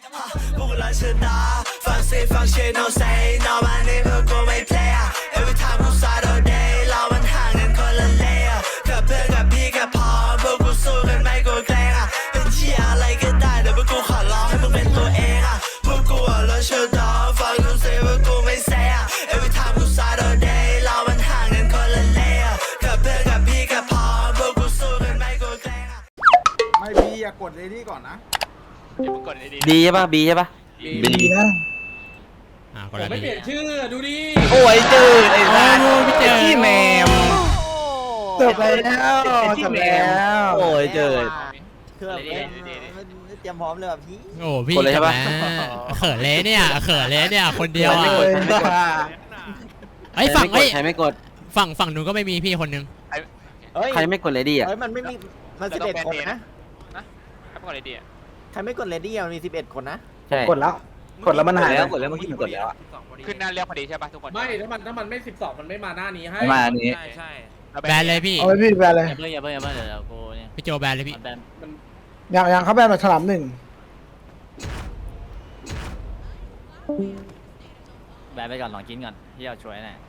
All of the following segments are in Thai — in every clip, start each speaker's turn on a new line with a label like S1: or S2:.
S1: พวกเราชนะฟังเสียงฟังเชียร์ no say no มันนี่พวกกูไม่ play every time กู start all day เรามันห่างกันคนละเลย์กับเพื่อนกับพี่กับพอพวกกูสู้กันไม่กูเกรงเป็นเชียอะไรก็ได้แต่พวกกูขอร้องให้มึงเป็นตัวเองพวกกูเราชนะฟังกูเสียงพวกกูไม่ say every time กู start all day เรามันห่างกันคนละเลย์กับเพื่อนกับพี่กับพอพวกกูสู้กันไม่กูเกรง
S2: ไม่บีอย่ากดเลยนี่ก่อนนะ
S3: ดีใช่ปะบีใช่ปะ
S2: บีนะ
S4: ผมไม่เปลี่ยนชื่อดูดิ
S3: โอ้ยจืดไอ้สัสที่แมม
S2: จบแล้วจบแล้ว
S3: โอ้ยจืด
S5: คือแบบเตรียมพร้อมเลยแบบพี่
S4: โอ้พี่
S3: กดเลยใช่ปะ
S4: เขินเลยเนี่ยเขินเลยเนี่ยคนเดียวอ่ะ ไอ้ฝั่ง
S3: ใครไม่กด
S4: ฝั่งนู้นก็ไม่มีพี่คนนึง
S3: ใครไม่กดเลยดีอ่ะ
S5: เฮ้ยมันไม่มีมัน11 คนนะ
S6: ไม่กดเลยดี
S5: ใครไม่กดเลดี้มันมี11 คนนะ
S3: ใช่
S2: กดแล้วมันหายแล้ว
S3: กดแล้วเมื่อกี้มันกดแล้ว
S6: ขึ้นหน้าเรียกพอดีใช่ป่ะทุกคน
S4: ไม่ถ้ามันไม่12มันไม่มาหน้านี้ให้
S3: ไม่มาอันนี้
S6: ใช่
S4: แบนเลยพี่
S2: เอาไปพี่แบนเลย
S7: อย่าเพิ่งเดี๋ยวกูเนี่ย
S4: พี่โจแบนเลยพี่
S7: แบน
S2: อย่างเขาแบนมาฉลามหนึ่ง
S7: แบนไปก่อนลองกินก่อนที่เราช่วยหน่อย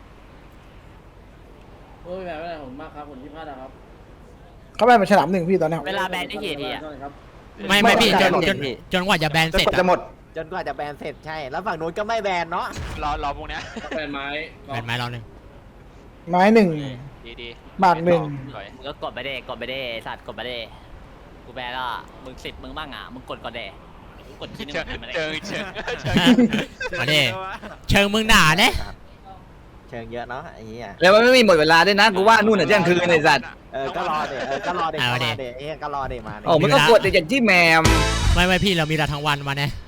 S4: โอ้ยแบนไม่ได้ผมมากครับผมที่พลาดครับ
S2: เขาแบนมาฉลามหนึ่งพี่ตอนนี้
S7: เวลาแบนได้กี่ทีอ่ะ
S4: ไม่พี่จนกว่าจะแบนเสร็จ
S2: จะหมด
S5: จนกว่าจะแบนเสร็จใช่ แล้วฝั่งนู้นก็ไม่แบนเนาะ
S6: รอพวกเนี้ย
S4: แบนไม้เราหนึ่ง
S2: ไม้หนึ่ง
S6: ดี
S2: บาทหนึ่ง
S7: มึงก็กดไปเด้สัตว์กดไปเด้กูแบนแล้วมึง10มึงบ้างอ่ะมึงกดก่อนเด้กูกดทีนึง
S6: เชิง
S7: มัน
S6: เชิง
S4: มาดิเชิงมึงหนาเนี่ย
S5: เชิงเยอะเนาะไอ้เหี้ย
S3: แล้วมันไม่มีหมดเวลาด้วยนะกูว่านู่นน่ะเที่ยงคืนไอ้สัตว์
S5: ก็รอเดี๋ยวก็รอเดี๋ยวไอ้เหี้ยก็รอเดี๋ยวมา
S3: โอ้มันก็กดแต่อย่างที่แมม
S4: ไม่พี่เรามีเราทั้งวันมาเนี่ย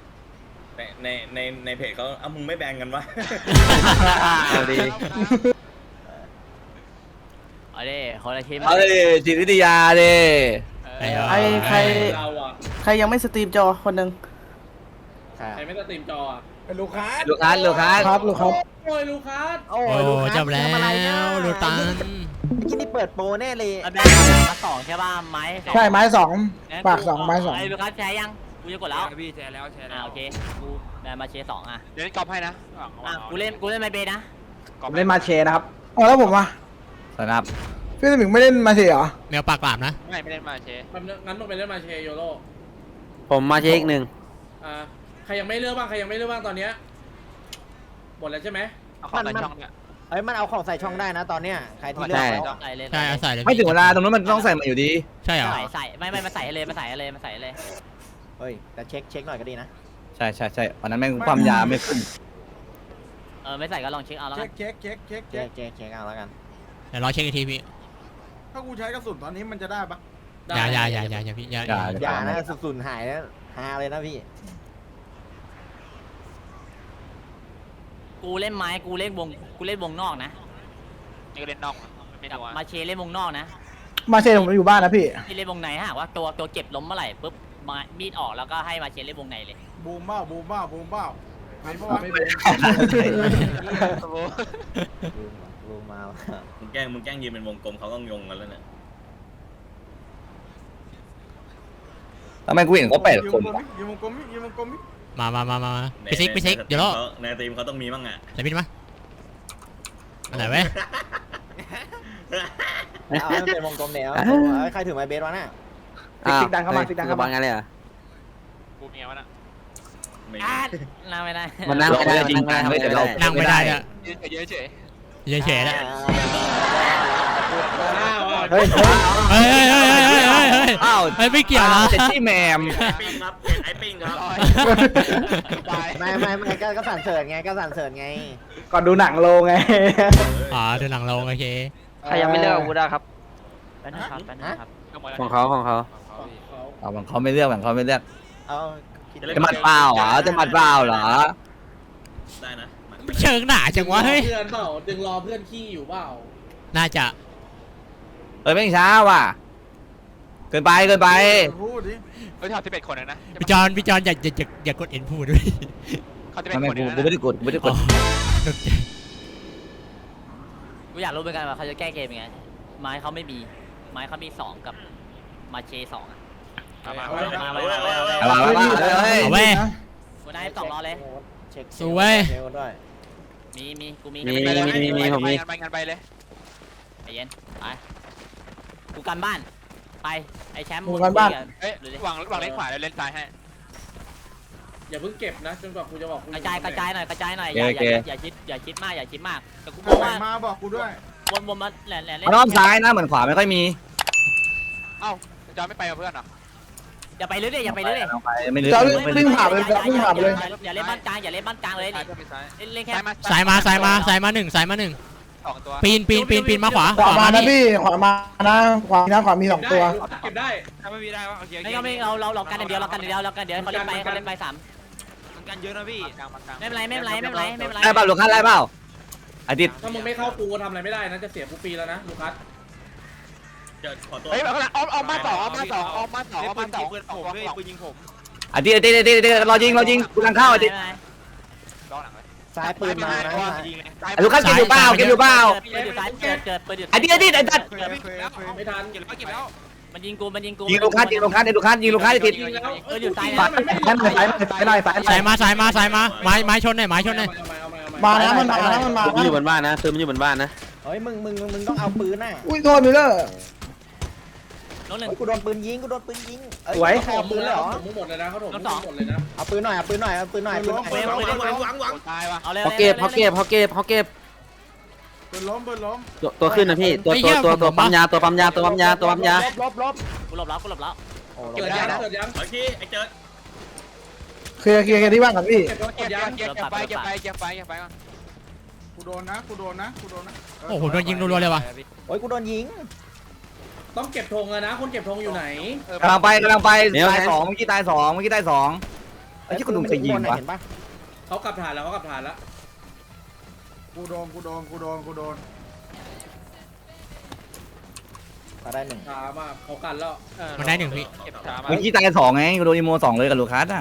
S8: ในเพจเขาเอามึงไม่แบ่งกันวะ
S3: เอาดี
S7: เอาเด้คนละทีม
S3: เอาเลยจิตวิทยาดิ
S2: ใครยังไม่สตรีมจอคนหนึ่ง
S4: ใครไม่สตรีมจอ
S2: เป็นลูกค้า
S3: ลูกค้า
S2: ครับลูกค้า
S4: โอ้ยลูคัส
S5: โอ้
S4: โอ้
S5: ดู
S4: จบแล้วลูตัน
S5: ที่นี่เปิดโปรแน่เลย
S7: แบนมา2ใช่ป่ะไม้
S2: ใช่ไม้สองปากสองไม้สอง
S7: ไอ้ลูกค้าแชร์ยังกูจะกดแล้ว
S6: พี่แชร์แล้วแชร์แล้ว
S7: โอเคกูแบนมาเชร์2อ่ะ
S6: เดี๋ยวกอบให้นะ
S7: กูเล่นไมเบนะ
S2: เล่นมาเชนะครับอ๋อแล้วผมอ่ะ
S3: สนับ
S2: พี่สมิงไม่เล่นมาเชเหรอ
S4: แมวปากหลามนะ
S6: ไม่เล่นมาเชร์
S4: งั้นต้องไปเล่นมาเชโยโร่
S3: ผมมาเช็คหนึ่ง
S4: ใครยังไม่เลือกบ้างตอนเนี้ยหมดแล้วใช่ไหม
S6: เอาเข้าในช่องเนี่ย
S5: เอ้ยมันเอาของใส่ช่องได้นะตอนเนี้ยใครที่เลือกแล้ว
S7: ใส่เลย
S4: ใช่ใส่เลย
S3: ไม่ถึงเวลาตรงนั้นมันต้องใส่มาอยู่ดี
S4: ใช่เหรอ
S7: ใส่ไม่มาใส่เลยมาใส่เลย
S5: เฮ้ยแต่เช็คหน่อยก็ดีนะ
S3: ใช่วันนั้นแม่งความยาไม่ขึ้น
S7: ไม่ใส่ก็ลองเช็คเอาแล้วกัน
S2: เ
S5: เช็คเอาแล้วกัน
S4: เดี๋ยวรอเช็คอีกทีพี่
S2: ถ้ากูใช้กระสุนตอนนี้มันจะได้ปะ
S4: อย่าพี่อย่า
S5: อย่านะสุดๆหายนะฮาเลยนะพี่
S7: กูเล่นไม้กูเล่นวงนอกนะ
S6: นี่ก็เล่นนอกไม่นัว
S7: มาเชเล่นวงนอกนะ
S2: มาเชผมอยู่บ้านนะพี่
S7: ที่เล่นวงในฮะว่าตัวเก็บล้มเมื่อไหร่ปุ๊บมามีดออกแล้วก็ให้มาเชเล่นวงในเลย
S2: บูมเบ้าไม่เพราะว่าไม่บูม
S5: รูมา
S8: มึงแกล้งยืนเป็นวงกลมเขาก็งงกันแล้วเนี่ย
S3: ทำไมกูเห็นเขา8 คน
S2: ยืมวงกลม
S4: มาไปซิกเดี๋ยวรอ
S8: ในทีมเขาต้องมีบ้างอ่ะ
S4: ไหนบินมาอันไหนเว้ย
S5: เอามันเป็นวงกลมเดี๋ยวใครถือไม้เบสวะน่ะ
S2: ติ๊กดังเข้ามา
S3: บางงานเลยเหรอ
S6: กูเมียวะน่ะ
S7: นั่งไม่ได้
S3: มันนั่งไม่ได้จริงจังเลยแต่เรา
S4: นั่งไม่ได้เนี่ย
S6: เยอะเฉย
S4: เฉยๆนะ
S2: เฮ้ย
S4: เฮ้ย
S3: อ้าว
S4: ไม่เกี่ยวนะ
S3: เจ็ดที่แมม
S8: ปิ้งครับไอ้ปิ้งครับ
S5: ไม่ก็สั่นเสริญไง
S2: ก่อนดูหนังโลไง
S4: อ๋อดูหนังลงโอเค
S3: ใครยังไม่เลือกอาวุธอะครับ
S7: แป๊บนะครับ
S3: ของเขาเอาของเขาไม่เลือกของเขาไม่เลือก
S5: เอา
S3: จะหมัดเปล่าเหรอจะหมัดเปล่าเหรอ
S8: ได้นะ
S4: เชิงหนาจังวะเฮ้ย
S9: เพื่อนเปล่าดึงรอเพื่อนขี้อยู่เปล่า
S4: น่าจะ
S3: แม่งช้าว่ะเกินไป
S2: พูดดิ
S6: เฮ้ยถอด11 คนนะ
S4: พี่จอนอย่ากดเอ็นพูดด้วย
S6: เขา11
S3: ไม่
S6: คน
S3: กูไม่ได้กด
S4: อ๋อ
S7: กูอยากรู้เหมือนกันว่าเขาจะแก้เกมยังไงไม้เขาไม่มีไม้เขามี2กับมาเช2อ่ะมา
S3: เอาเว้ย
S7: กูได้2รอเลย
S5: เช็ค
S10: สวย
S5: เช็คด้วย
S7: มีกูมี
S6: ผมมีไปกันไปเลย
S7: ใจเย็นไปกูกันบ้านไปไอ้แชมป์
S10: กูกันบ้าน
S6: เอ้ยวางเล่นขวาแล้วเล่นซ้ายให้
S4: อย่าเพิ่งเก็บนะจนกว่ากูจะบอกกู
S7: กระจายหน่อยอย่าคิดมากแต่กู
S2: ไหน
S7: ว่า
S2: มาบอกกูด้วย
S7: วนมาแหล่น
S3: มันอ้อมซ้ายนะเหมือนขวาไม่ค่อยมี
S6: เอ้าจอไม่ไปกับเพื่อนเหรอ
S7: อย่าไปเรื่อยอย่าไปเรื่อย
S3: ไม่ลึก
S10: จะวิ่งผ่านเลยจะวิ่งผ่านไปเลย
S7: อย่าเล่นบ้านกลางเลย
S6: ซ้ายเพื่อนไปซ้าย
S7: เล่นแค่
S10: สายมาหนึ่ง
S6: 2 ตัว
S10: ปีนมาขวา
S2: ขวามานะพี่ขวามานะขวามี2ตัว
S4: เก็บได้
S6: ถ้าไม่มีได้วะโอเค
S7: ไม่เรากันเดียวเขาเล่นไป3
S6: กันเยอะนะพี่กลาง
S7: ไม่เป็นไร
S3: ได้เปล่าลูกค้าได้เปล่าอาทิตย์
S4: ถ้ามึงไม่เข้ากูทำอะไรไม่ได้นะจะเสียกูปีแล้วนะลูคัส
S8: จะขอตัว
S6: เฮ้ยเอามา2ปืนยิงผม
S3: อาทิตย์รอยิงกูกำลังเข้าอาทิตย์
S6: รอหลังเลย
S5: ซ้ายปืนมานะ
S3: ลูกค้าเก็บอยู่เปล่า
S7: เกิด
S3: อาทิตย์ไอ้ตัด
S4: ไม่ทัน
S6: เก็บแล้ว
S7: มันยิงกู
S3: ยิงลูกค้าอาทิตย์
S4: ยิงแล้ว
S7: อยู่ซ้าย
S3: สายมา
S10: ไม้ชนหน่อย
S2: มานะมันมานะ
S3: มันอยู่บนบ้านนะคือมันอยู่บนบ้านนะ
S5: เฮ้ยมึงต้องเอาปืนน่ะ
S2: อุ้ยโทษมิลเลอร์
S7: น้องหนึ่ง
S5: เฮ้ยกูโดนปืนยิงเอ้ย
S2: สวย
S5: ใครเอาปืนเลยเหรอ
S4: มึงหมดเลยนะเขาถมมึงหมดเลยนะ
S5: เอาปืนหน่อยปืนหน่อย
S8: หวัง
S6: ตายวะ
S7: เอาเลย
S3: เขาเก็บ
S2: ปืนล้ม
S3: ตัวขึ้นนะพี่ตัวปั๊มยา
S5: ลบ
S7: กูหลบแล้ว
S5: โอ้
S4: เกิดยังเกิดยัง
S8: ไอ้ที่ไอ้เจิด
S2: เคลียร์ที่บ้านกันพี่
S4: เก็บยัง
S6: เก็บไปก่อน
S2: กูโดนนะ
S10: โอ้โหโดนยิงรัวๆเลยว่ะ
S5: โอ้ยกูโดนยิง
S4: ต้องเก็บธงนะคนเก็บธงอยู่ไหน
S3: กำลังไปตาย2เมื่อกี้ตาย2ไอ้ที่คุณลุงจะยิงวะ
S5: เห็นปะ
S4: เขากลับฐานแล้ว
S2: กูโดน
S5: ก็ได้1
S4: ช้ามากเขากันแล้ว
S10: มันได้1พี่
S6: เก็บช้ามา
S3: เมื่อกี้ตาย2ไงกูโดนอีโม2เลยกับลูกค้าอ่ะ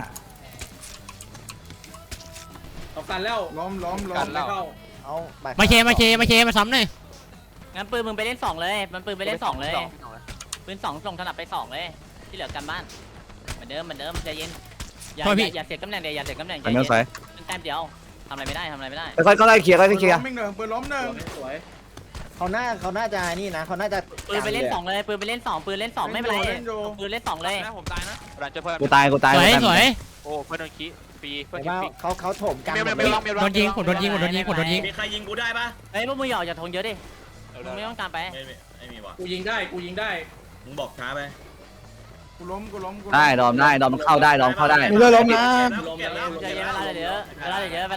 S4: เขากันแล้ว
S2: ล้ม
S4: ไม่เข้า
S5: เอาไป
S10: มาซ้ำหน่อย
S7: งั้นปืนมึงไปเล่น2เลยมันปืนไปเล่น2เลยปืน2ส่งถนัดไป2เลยที่เหลือกันบ้านเหมือนเดิมใจเย็นอย่าเสียตำแหน่งใจเย็นแต้มเดียวทำอะไรไม่ได้
S3: ค่อยเคลียร์
S2: ปืนล้ม1
S4: สวย
S5: เขาน่าจะนี่นะเขาน่าจะ
S7: ปืนไปเล่น2เลยปืนเล่น2ไม่เป็นไรปืนเล่น2เลย
S6: ผมตายนะหลังจะเพื่อน
S3: กูตาย
S10: สวย
S6: โอ้เพื่อนโดนขี้ฟรีเพื่อน
S5: เห็น
S6: ขี้
S5: ว่า
S6: ฟรี
S5: เขาโถมกัน
S6: เมล
S10: โดนยิงผมโดนยิง
S8: มีใครยิงกูได้ปะ
S7: เฮ้ยพวกมึงอย่าออกจากธงเยอะดิมึงไม่ต้องตามไป
S8: ไม่มีว่ะ
S4: กูยิงได้
S8: มึงบอกช้าไป
S2: กูล้ม
S3: ได้ดอมเข้าได้
S2: มิลเลอร์ล้มนะ
S7: ใจเย็นเวลาเหลือเยอะ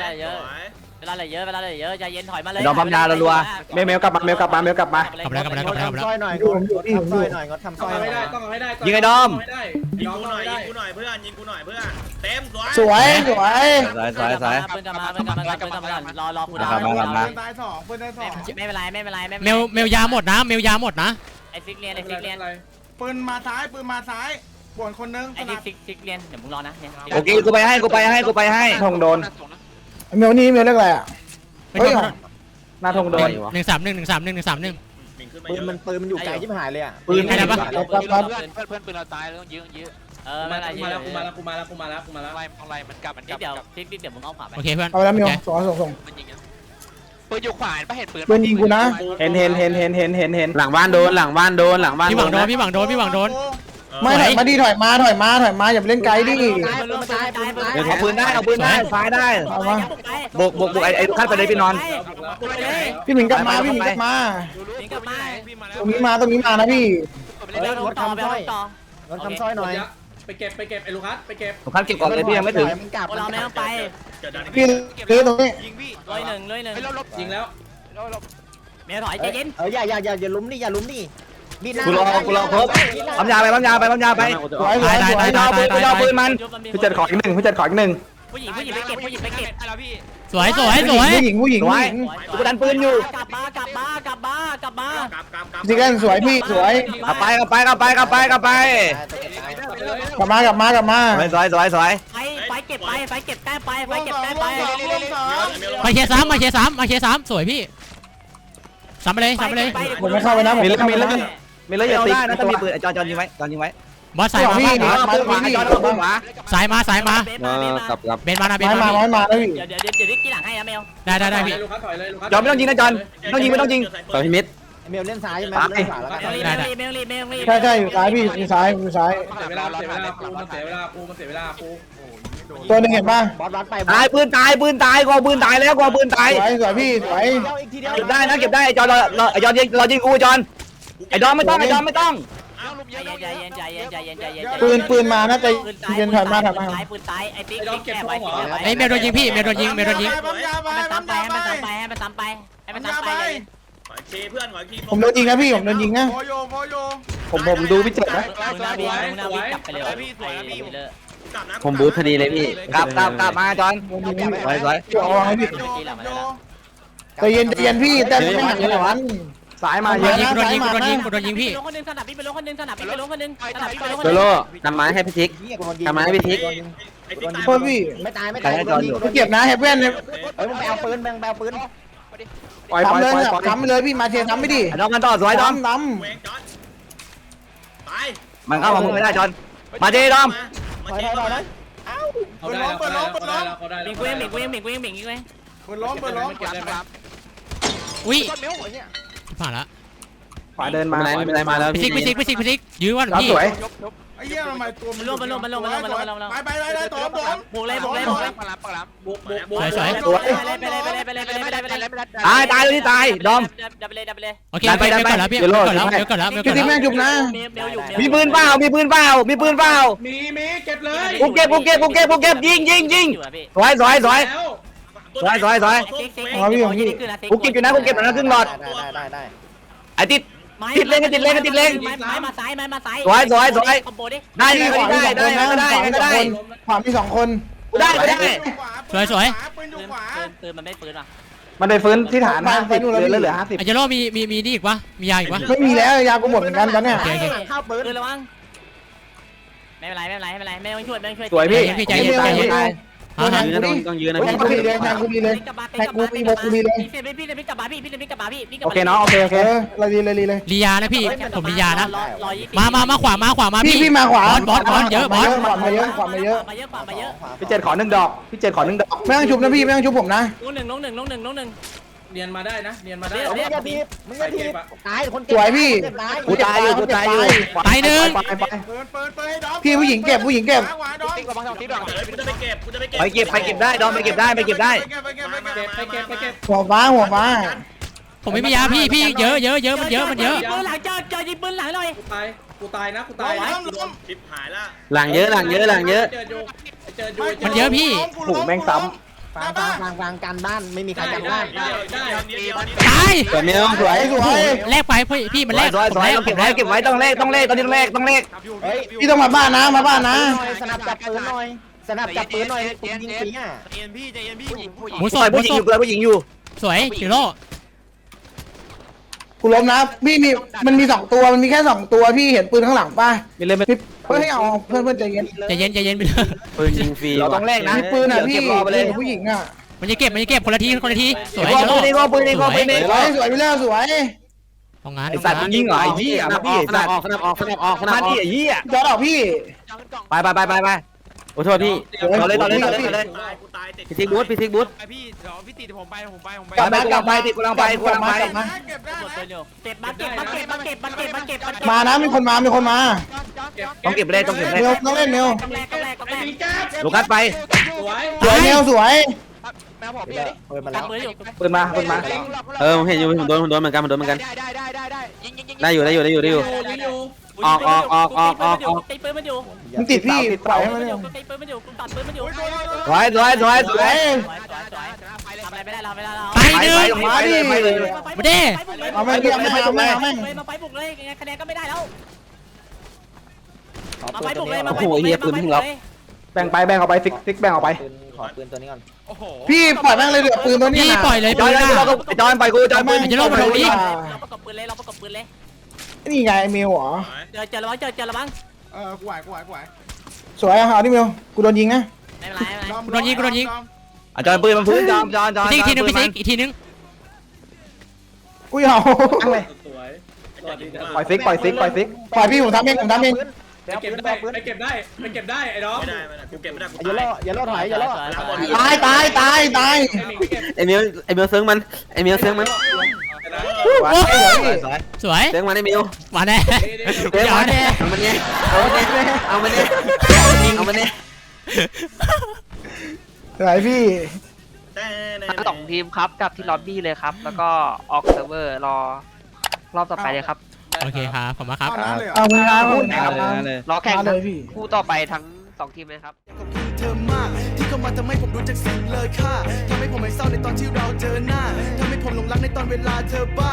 S7: ใจเย็นถอยมาเลย
S3: ดอมปั๊มยารัว
S10: กลับมา
S5: ทำสร้อยหน่อยงดทำสร้อยหน่อย
S4: ต้องเอาให้ได้
S8: ยิงกูหน่อยเพื่อนเต็มสวย
S2: สวย
S7: ปืนกลับมารอกูดาว
S2: ตาย2ปืนได้2
S7: ไม่เป็นไร
S10: เมลยาหมดนะ
S7: ไอ้ฟิกเรียน
S2: ปืนมาซ้ายป่วนคนนึง
S7: ไอ้นี่ฟิกเรียนเดี๋ยวมึงรอนะเนี่ย
S3: โอเคกูไปให้ทงโดน
S2: เมลนี่เมลเรียกอะไรอ่ะ เฮ้ย
S3: หน้าทงโดน
S10: 131
S8: มิงขึ้นมา
S5: ปืนมันอยู่ไกลชิบหายเลยอ่ะ
S6: เพื่อนปืนเราตายแล้วต้องยื้อ
S7: ไม่เป็นไร
S4: กูมาแล้ว
S6: อะไรมันกลับ
S7: เดี๋ยวฟิกเดี๋ยวมึงเอาขวาไป
S10: โอเคเพื่อน
S2: เอาแล้วเมลส่ง
S6: มันยิงปืนอยู่ขวาปะเห็นปืน
S2: ปืนยิงกูนะ
S3: เห็นหลังบ้านโดน
S10: พี่หวังโดน
S2: ไม่ถอยมาดิถอยมาอย่าไปเล่นไกลดิ
S3: เอาปืนได้ซ้ายได้
S2: เอามา
S3: บุกไอ้ลูกค้าไปเลยพี่นอน
S2: พี่หมิงกลับมา
S7: ฟิกกลับมา
S2: ตรงนี้มานะพี่
S5: งดทำสร้อยหน่อย
S4: ไปเก็บไอ้ลูคัสไปเก็บ
S3: ลูกค้าเก็บก่อนเลยพี่ยังไม่ถึง
S5: มันกลับ
S7: เราไม่ต้องไป
S2: พี่ซื้อตรงนี้
S6: ยิงพี่
S7: ร้อยหนึ่ง
S4: ยิงแล้ว
S7: เมียถอยใจเย็น
S5: อย่าล้มดิบีหน้า
S3: กูรอครบปั๊มยาไป
S2: สวย
S3: เอาปืนมัน
S2: พี่จัดขออีกหนึ่ง
S7: ผู้หญิงไปเก็บ
S6: อะไรพี่
S10: สวย
S2: ผู้หญิง
S3: กูดันปืนอยู่
S7: กลับมา
S8: กลับ
S2: จริงกันสวยพี่สวย
S3: กลับไป
S2: กลับมา
S3: สวย
S7: ไปเก็บใกล้ไป
S10: มาเคส3สวยพี่ซ้ำไปเลย
S2: ผมไม่เข้าไปนะผม
S3: มีแล้วอย่าตีนะถ้ามีปืนจอนยิงไว้
S10: บอสสายมา
S2: พี่
S10: บ้าน
S3: ปืนขวาจอนเอาปืนขวา
S10: สายมาสายมา
S3: กับ
S10: เบนมานะเบน
S2: ไม้
S10: มา
S2: มาไม้มาแล้วพี่
S7: เดี๋ยวที่หลังให้นะเมล
S10: ได้พี่
S4: ลูกค้าถอยเลยลูกค้า
S3: จอนไม่ต้องยิงนะจอนไม่ต้องยิงไม่ต้องยิง
S8: ต่อพี่มิด
S5: เมลเล่นซ้ายใช่ไหมเล่นขวาแล้วกัน
S7: เมลรี
S2: ใช่อยู่ซ้ายพี่อยู่ซ้ายอยู่ซ้าย
S4: เสียเวลาเสียเวลากูมันเสียเวลากูมันเสียเวลากู
S2: ตัวหนึ่งเห็นป่ะ
S5: บอสรัดไป
S3: ตายปืนตายกูปืนตายแล้วกูปืนตาย
S2: สวยพี่สวย
S5: อีกทีเดียว
S3: เก็บได้นะเก็บได้ไอ้จอนไอ้จอนเรายิงกูจอนไอ้ดอมไม่ต้อง
S7: ใจเย็น
S2: ปืนมาน่าจะเย็นถอยมา
S7: ปืนตายไอ้ติ๊กแก้ไว้
S10: ไอ้เมลโดนยิงพี่เมลโดนยิง
S7: ให้มันซ้ำไปเลย
S8: ขออีกทีเพื่อนขออีกที
S2: ผมโดนยิงนะพี่ผมโดนยิงนะ
S3: ผมดูพี่เจ็ดนะ
S7: กลับไปเลย
S3: ผมบูทพอดีเลยพี่กลับมาจอนสวย
S2: จ่อให้พี่ใจเย็นพี่แต่ไม่หันเลยวันสายมา
S10: โด
S2: เยอะ
S10: นยิง
S2: นะ
S10: โดน
S2: สาย
S10: ยิง
S2: มา
S10: โดนยิง
S2: นะ
S10: โดนยิงพี่
S7: ลงคนนึงสนับพี่ไปลงคนนึงสนับพี่ไปลงคนนึงสนับพี่ไปลงคน
S3: โซ
S7: นึง
S3: โล่นำไม้ให้พี่ทิก ทำไมพี่ทิก
S8: ไอ้ติ๊กตาย
S2: โทษพี่
S5: ไม่ตาย
S2: เก็บนะเฮฟเว่นเนี่ย
S5: เฮ้ยมึงไปเอาปืนแบงปืน
S2: ทำเลยทำไปเลยพี่มาเชียร์ทำไม่ดี
S3: ดอมกันต่อสวยดอม
S2: น้
S8: เวงจอนตาย
S3: มันเข้ามามึงไม่ได้จอนมาเจดอม
S8: มาเช็คก่อนนะ
S4: เขาได้แล้วเขาได้แล้วเขาได้
S7: มิ
S4: แล้ว
S7: งกูยังอีกเว้ย
S4: เก็บได้ไหม
S10: อุ้ยผ่านละ
S3: ขวาเดินมาไม่เป็นไรมาแล้ว
S10: พี่ซิกยื้อวันพี่
S3: สวย
S9: ไอ้เหี้ยทำไมตัว
S7: มันลงไปตัวบุกเลย
S6: ปักหลับ
S4: บุก
S3: ตายเลยที่ตายดอม
S7: ดับไปเลย
S10: โอเคเมลก่อนแล้วพี่เมลก่อนแล้ว
S2: ำพี่แม่งจุบนะ
S7: เมลอยู่
S3: มีปืนเปล่ามีปืนเปล่า
S4: มีเก็บเลย
S3: กูเก็บยิงสวย
S4: แล้ว
S3: กูเก็บอยู่นะกูเก็บอยู่นะครึ่งหลอด
S5: ได้
S3: ไอ้ติดไม้มาซ้ายได้ไงก็ได้
S2: ขวามี2 คน
S3: ได้
S10: สวย
S7: ปืนมันไม่ปืนว่ะ
S3: มันไปฟื้นที่ฐาน50เหลือ
S10: ไอเจโร่มีนี่อีกวะมียาอีกวะ
S2: ไม่มีแล้วยากูหมดเหมือนกันตอนเนี้ย
S5: เข้าปืน
S7: ปืนระวังไม่เป็นไรไม่ต้องช่วย
S3: สวยพี่
S10: ใจเย็น
S3: ต้องยืนนะ
S2: แทงกูดีเลยแทงกูดีเลยแทงกูมีโมกูดีเลย
S7: พี่กลับมาพี่
S3: โอเคเนาะโอเค
S2: เราดีเลยเลย
S10: ลียานะพี่ผมลียานะ
S7: 120
S10: มาขวามา
S2: พี่มาขวา
S10: บอสเยอะบอส
S2: ขวามาเยอะ
S7: มาเยอะ
S3: พี่เจ็ดขอ1 ดอกพี่เจ็ดขอ1 ดอก
S2: ไม่ต้องชุบนะพี่ไม่ต้องชุบผมนะ
S7: ลงหนึ่ง
S4: เนียนมาได้นะเนียนมาได้
S5: มึงอย่าทีบตายคน
S2: สวยพี่
S3: กูตายอยู่
S10: ตายหนึ่ง
S2: พี่ผู้หญิงเก็บ
S8: กูจะไปเก็บ
S3: ไปเก็บได้ดอมไปเก็บได้
S4: ไปเก็บ
S2: หัวฟ้า
S10: ผมไม่มียาพี่เยอะมันเยอะ
S7: ปืนหลังเจอยิงปืนหลังเลย
S4: กูตายนะ
S8: ชิบหายละ
S3: หลังเยอะ
S4: เจออยู่
S10: มันเยอะพี่
S3: ถูกแม่งซ้
S5: ฟังการบ้านไม่มีใครกันบ้าน
S10: ตาย
S3: ำสวยเมลสวย
S10: แลกไปพี่มันแลก
S3: สวยเก็บไว้ต้องเลขตอนนี้ต้องเลข
S2: พี่ต้องมาบ้านนะ
S5: สนับจับปืนหน่อยยิงปีอ่ะ
S10: หมูส
S3: สวย
S10: ด
S3: ผู้หญิงอยู่ผู้หญิงอยู่
S10: สวยเจโร่
S2: กูล้มนะพี่มีมันมี2 ตัวมันมีแค่2 ตัวพี่เห็นปืนข้างหลังป่ะ
S3: มีเลย
S2: เฮ้ยเอาเพื่อนใจเย็น
S10: ใจเย็นไปเลย
S3: ปืนยิงฟรีเราต้องเลขนะ
S2: มีปืนอ่ะพี่
S3: เก็บรอไปเลย
S2: ผู้หญิงอ่ะ
S10: มันจะเก็บคนละทีสวย
S3: ปืนนี่ก็ปืนนี่
S2: สวยไปแล้วสวย
S10: ของงาน
S3: ไอสัตว์ยิงเหรอไอ้ยี่อ่ะพี่สัตว์มาดิไอ้ยี่อ่ะ
S2: จอดออกพี่
S3: ไปโอ้โทษพี่ต่อเลยพี่ทิกบูท
S6: พี่ตีผมไป
S3: กลับไปติดกูลังไป
S7: เก็บ
S2: มานะมีคนมา
S3: ต้องเก็บเลย
S2: เร็วต้องเล่นเร็ว
S3: ลูกัสไป
S2: สวยเร็วสวย
S6: แมวผมพี่
S5: ปืนมาแล้ว
S3: ปืนมาผมเห็นอยู่ผมโดนเหมือนกัน
S6: ได้ยิง
S3: ได้อยู่ออก
S7: ตีปืนมันอยู่
S2: มันติดพี่ปล่อยให้มัน
S7: ตีปืนมันอยู่ตัดปืนมันอยู่
S3: สวย
S7: ทำอะไรไม่ได้เรา
S10: ไปหนึ่ง
S3: ไปเลย
S10: มาดิ
S2: เอาแม่งพี่เอาแม่ง
S7: มาไปบุกเลยคะแนนก็ไม่ได้แล้วมาไปบุกเลย
S3: แบ่งเอาไปฟิกแบ่งเอาไป
S5: ขอปืนตัวนี้ก่อน
S6: โอ้โห
S2: พี่ปล่อยแม่งเลยเหลือปืนตัวนี้
S10: พี่ปล่อยเลย
S3: จ
S10: ปื
S3: อน
S10: น
S3: จอนไปกูจอนปืน
S10: เจโร่มาตรงนี้
S7: เราประกบปืนเลย
S2: นี่ไงเมลเหรอ
S7: เจอระวัง
S9: กูไหว
S2: สวยเอาดิเมลกูโดนยิงนะ
S7: ไม่เป็นไร
S10: โดนยิง
S3: จอนปืนมันพื้นจอน
S10: อีกทีนึงพี่ซิกอีกทีนึง
S2: กูเอา
S4: สวย
S3: ปล่อยฟิก
S2: ปล่อยพี่ผมทำเอง
S4: ไปเก็บได้ไปเก็บได้ไปเก็บได้ไอ้น้อง
S8: ไม่ได้กูเก็บไม่ได้กู
S2: อย่าล่อถอยอย่าล่อ
S7: ตาย
S2: ตาย
S3: ไอเมียวเซิงมันสวยเซิงมันไอเมียว
S10: มาแน่
S3: เซิงมันเอามันเนี่ยเอามันเนี่ย
S2: ไหนพี่
S8: ทั้ง
S6: สองทีมครับกับที่ล็อบบี้เลยครับแล้วก็ออกเซิร์ฟเวอร์รอรอบต่อไปเลยครับ
S10: โอเคครับผมมาครับ
S9: เอาน้ำเลยเหรอ
S2: เอาคุณครับคุณ
S6: รอแข่ง
S2: เลยพี่
S6: คู่ต่อไปทั้ง2ทีมเลยครับ
S1: ขอบคุณเธอมากที่เข้ามาทำให้ผมรู้จักสิ่งเลยค่าทำให้ผมไม่เศร้าในตอนที่เราเจอหน้าทำให้ผมหลงรักในตอนเวลาเธอบ้า